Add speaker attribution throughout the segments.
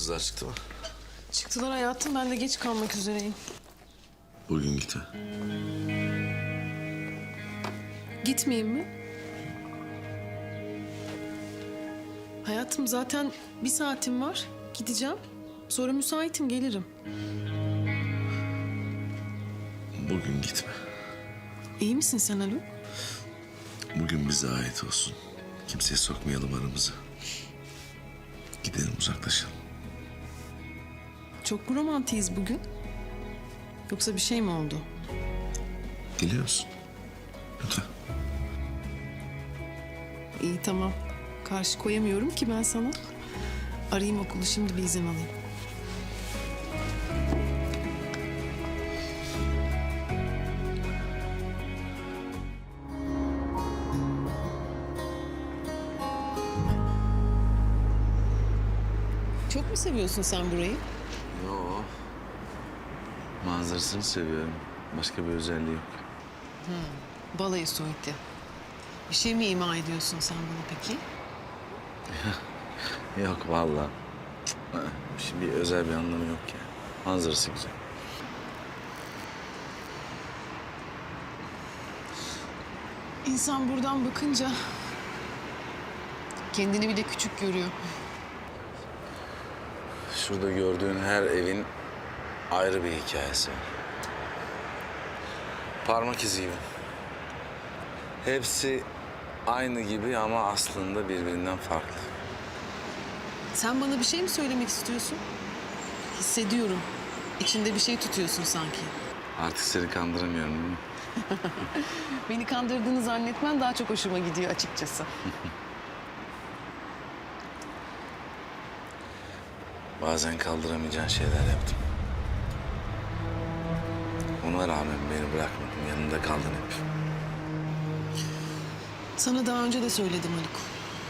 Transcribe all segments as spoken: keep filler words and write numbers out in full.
Speaker 1: Kızlar çıktı mı?
Speaker 2: Çıktılar hayatım, ben de geç kalmak üzereyim.
Speaker 1: Bugün gitme.
Speaker 2: Gitmeyeyim mi? Hayatım zaten bir saatim var. Gideceğim. Sonra müsaitim, gelirim.
Speaker 1: Bugün gitme.
Speaker 2: İyi misin sen Haluk?
Speaker 1: Bugün bize ait olsun. Kimseye sokmayalım aramızı. Gidelim, uzaklaşalım.
Speaker 2: Çok mu romantiyiz bugün? Yoksa bir şey mi oldu?
Speaker 1: Geliyorsun. Lütfen.
Speaker 2: İyi tamam. Karşı koyamıyorum ki ben sana. Arayayım okulu, şimdi bir izin alayım. Çok mu seviyorsun sen burayı?
Speaker 1: Yo. Manzarasını seviyorum. Başka bir özelliği yok.
Speaker 2: Balayı suiti. Bir şey mi ima ediyorsun sen bana peki?
Speaker 1: Yok vallahi. Şimdi bir özel bir anlamı yok ya. Manzarası güzel.
Speaker 2: İnsan buradan bakınca kendini bile küçük görüyor.
Speaker 1: Şurada gördüğün her evin ayrı bir hikayesi var. Parmak izi gibi. Hepsi aynı gibi ama aslında birbirinden farklı.
Speaker 2: Sen bana bir şey mi söylemek istiyorsun? Hissediyorum. İçinde bir şey tutuyorsun sanki.
Speaker 1: Artık seni kandıramıyorum değil mi?
Speaker 2: Beni kandırdığını zannetmen daha çok hoşuma gidiyor açıkçası.
Speaker 1: Bazen kaldıramayacağın şeyler yaptım. Ona rağmen beni bırakmadın, yanında kaldın hep.
Speaker 2: Sana daha önce de söyledim Haluk.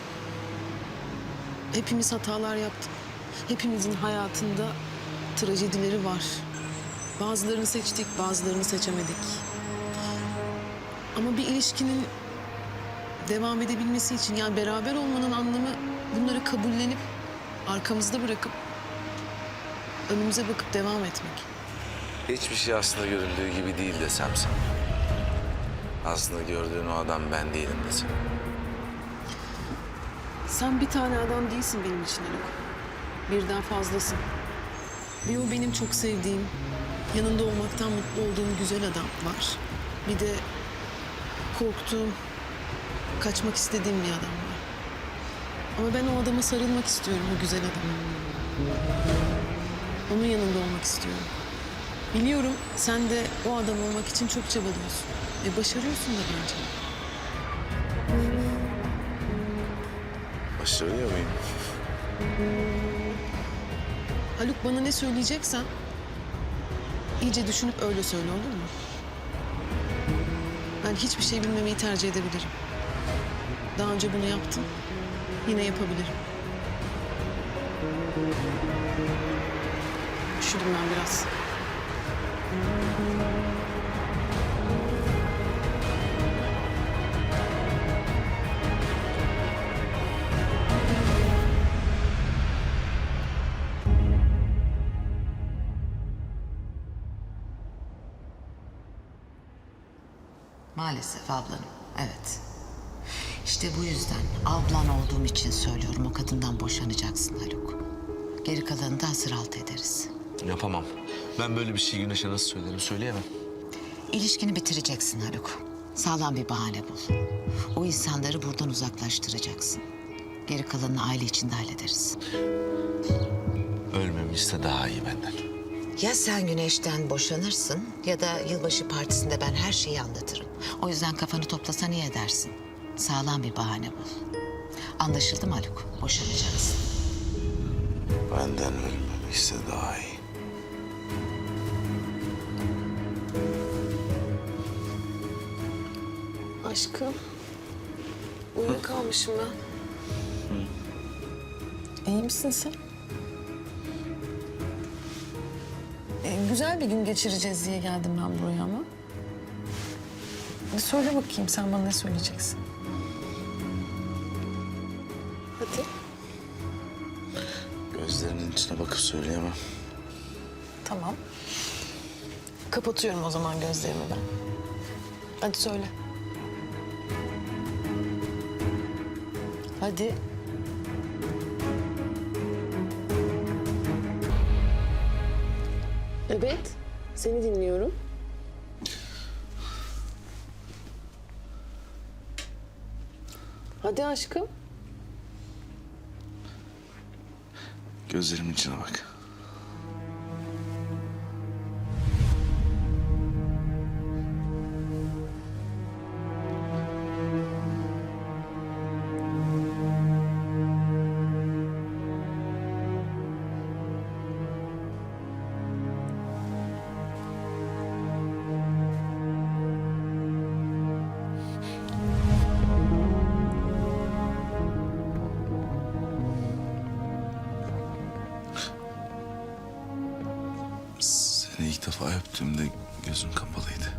Speaker 2: Hepimiz hatalar yaptık. Hepimizin hayatında trajedileri var. Bazılarını seçtik, bazılarını seçemedik. Ama bir ilişkinin devam edebilmesi için, yani beraber olmanın anlamı bunları kabullenip arkamızda bırakıp önümüze bakıp devam etmek.
Speaker 1: Hiçbir şey aslında görüldüğü gibi değil desem sana. Aslında gördüğün o adam ben değilim desem.
Speaker 2: Sen bir tane adam değilsin benim için Haluk. Birden fazlasın. Bir o benim çok sevdiğim, yanında olmaktan mutlu olduğum güzel adam var. Bir de korktuğum, kaçmak istediğim bir adam var. Ama ben o adama sarılmak istiyorum, o güzel adama. Onun yanında olmak istiyorum. Biliyorum sen de o adam olmak için çok çabalıyorsun. Ve başarıyorsun da bence.
Speaker 1: Başarıyor muyum?
Speaker 2: Haluk, bana ne söyleyeceksen iyice düşünüp öyle söyle, olur mu? Ben hiçbir şey bilmemeyi tercih edebilirim. Daha önce bunu yaptım. Yine yapabilirim. Üşüdüm ben biraz.
Speaker 3: Maalesef ablanım, evet. İşte bu yüzden ablan olduğum için söylüyorum, o kadından boşanacaksın Haluk. Geri kalanını da hasır altı ederiz.
Speaker 4: Yapamam. Ben böyle bir şey Güneş'e nasıl söylerim, söyleyemem.
Speaker 3: İlişkini bitireceksin Haluk. Sağlam bir bahane bul. O insanları buradan uzaklaştıracaksın. Geri kalanını aile içinde hallederiz.
Speaker 4: Ölmemi iste daha iyi benden.
Speaker 3: Ya sen Güneş'ten boşanırsın ya da yılbaşı partisinde ben her şeyi anlatırım. O yüzden kafanı toplasan iyi edersin. Sağlam bir bahane bul. Anlaşıldı mı Haluk? Boşanacaksın.
Speaker 1: Benden ölmemi iste daha iyi.
Speaker 2: Aşkım, uyuyakalmışım ben. İyi misin sen? Ee, güzel bir gün geçireceğiz diye geldim ben buraya ama. Bir söyle bakayım, sen bana ne söyleyeceksin? Hadi.
Speaker 1: Gözlerinin içine bakıp söyleyemem.
Speaker 2: Tamam. Kapatıyorum o zaman gözlerimi ben. Hadi söyle. Hadi. Evet, seni dinliyorum. Hadi aşkım.
Speaker 1: Gözlerimin içine bak. Seni ilk defa öptüğümde gözüm kapalıydı.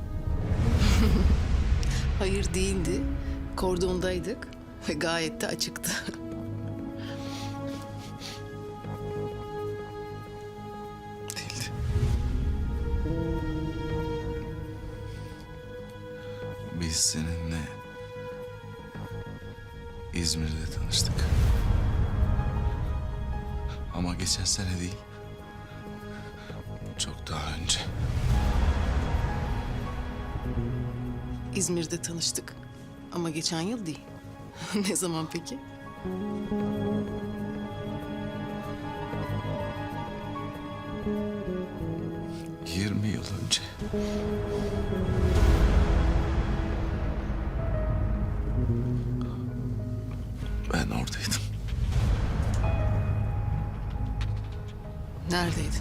Speaker 2: Hayır değildi. Kordondaydık ve gayet de açıktı.
Speaker 1: Değildi. Biz seninle İzmir'de tanıştık. Ama geçen sene değil. Çok daha önce.
Speaker 2: İzmir'de tanıştık ama geçen yıl değil. Ne zaman peki?
Speaker 1: Yirmi yıl önce. Ben oradaydım.
Speaker 2: Neredeydin?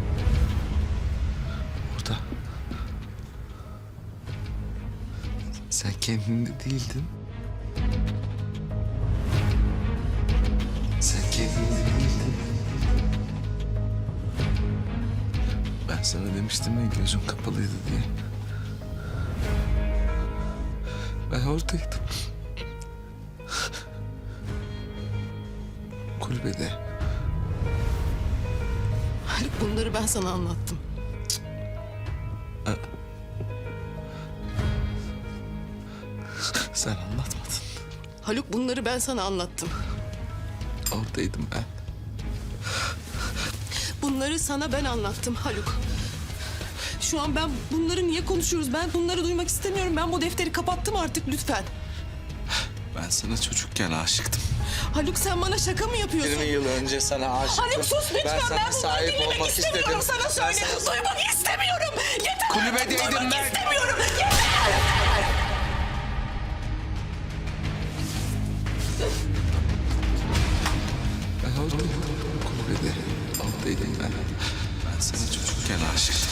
Speaker 1: Orada. Sen kendinde değildin. Sen kendinde değildin. Ben sana demiştim ya gözüm kapalıydı diye. Ben oradaydım. Kulübede.
Speaker 2: Haluk, bunları ben sana anlattım.
Speaker 1: Sen anlatmadın.
Speaker 2: Haluk, bunları ben sana anlattım.
Speaker 1: Oradaydım ben.
Speaker 2: Bunları sana ben anlattım Haluk. Şu an ben bunları niye konuşuyoruz? Ben bunları duymak istemiyorum. Ben bu defteri kapattım artık, lütfen.
Speaker 1: Ben sana çocukken aşıktım.
Speaker 2: Haluk, sen bana şaka mı yapıyorsun?
Speaker 1: yirmi yıl önce sana aşıktım.
Speaker 2: Haluk sus lütfen.
Speaker 1: Ben sana
Speaker 2: Ben bunları
Speaker 1: sahip
Speaker 2: dinlemek
Speaker 1: olmak
Speaker 2: istemiyorum.
Speaker 1: istedim.
Speaker 2: Sana
Speaker 1: Ben
Speaker 2: söyledim.
Speaker 1: sana-
Speaker 2: Duymak istemiyorum. Yeter.
Speaker 1: Kulübedeydim
Speaker 2: Duymak
Speaker 1: ben.
Speaker 2: istemiyorum. Yeter.
Speaker 1: Ben oradaydım. Kulübede. Oradaydım ben. Ben sana çocukken aşıktım.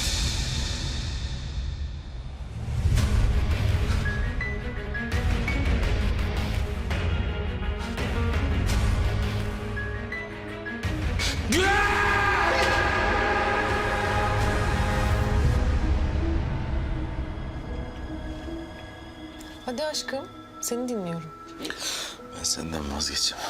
Speaker 2: Hadi aşkım. Seni dinliyorum.
Speaker 1: Ben senden vazgeçemem.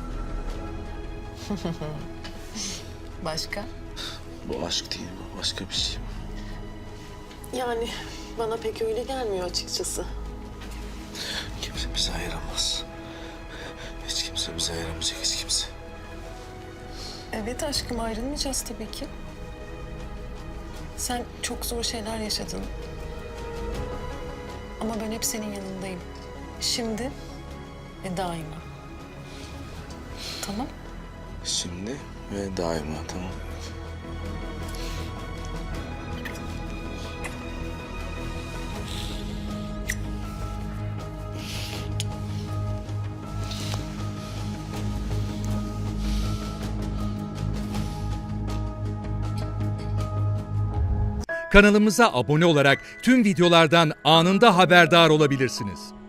Speaker 2: Başka?
Speaker 1: Bu aşk değil, bu başka bir şey.
Speaker 2: Yani bana pek öyle gelmiyor açıkçası.
Speaker 1: Kimse bizi ayıramaz. Hiç kimse bizi ayıramayacak, hiç kimse.
Speaker 2: Evet aşkım, ayrılmayacağız tabii ki. Sen çok zor şeyler yaşadın. Ama ben hep senin yanındayım. Şimdi ve daima. Tamam?
Speaker 1: Şimdi ve daima, tamam.
Speaker 5: Kanalımıza abone olarak tüm videolardan anında haberdar olabilirsiniz.